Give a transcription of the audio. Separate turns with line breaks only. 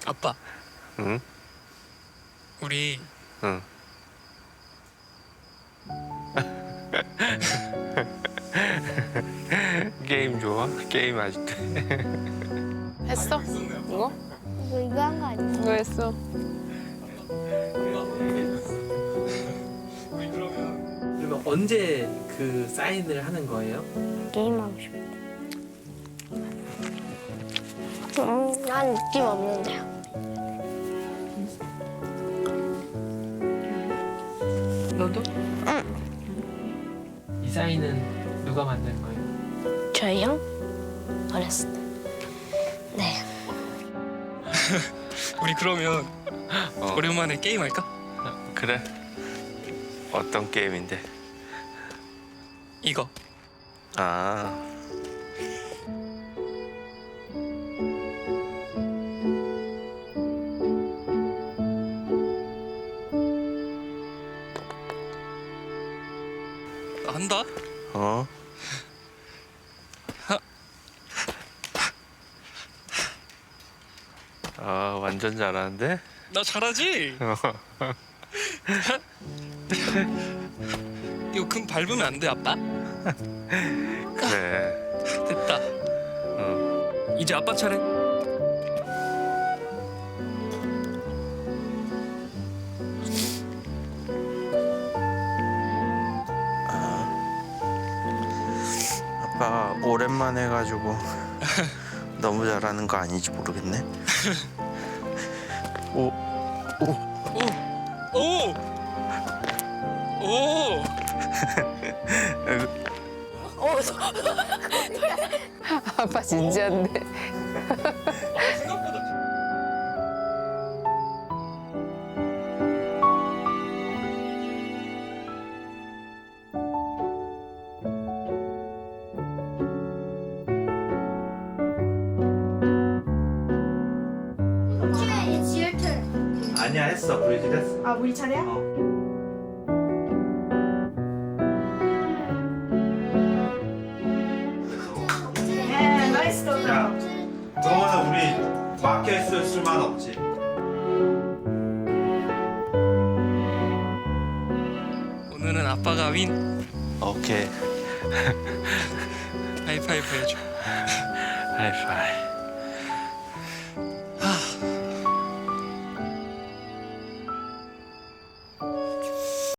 아빠,
응?
우리
응. 게임 좋아? 게임 아직도 해.
했어? 이거?
이거 한 거 아니야?
이거 했어.
그러면 언제 그 사인을 하는 거예요?
게임하고 싶어. 난 느낌 없는데요.
너도? 응. 이 사인은 누가 만든 거예요?
저희 형? 어렸을 때. 네.
우리 그러면
어.
오랜만에 게임 할까?
그래? 어떤 게임인데?
이거.
아,
나 한다.
어? 아, 완전 잘하는데?
나 잘하지? 이거 금 밟으면 안 돼, 아빠?
그래.
됐다.
응.
이제 아빠 차례.
아빠 오랜만에 해가지고 너무 잘하는 거 아닌지 모르겠네. 오,
오! 오! 오!
아빠 진지한데.
It's your turn.
아니야, 했어. 브리짓 했어.
아, 우리 차례야? 네, 나이스 더.
야, 그러면 우리 막혀 있을 수만 없지.
오늘은 아빠가 윈.
오케이.
하이파이브 해줘.
하이파이.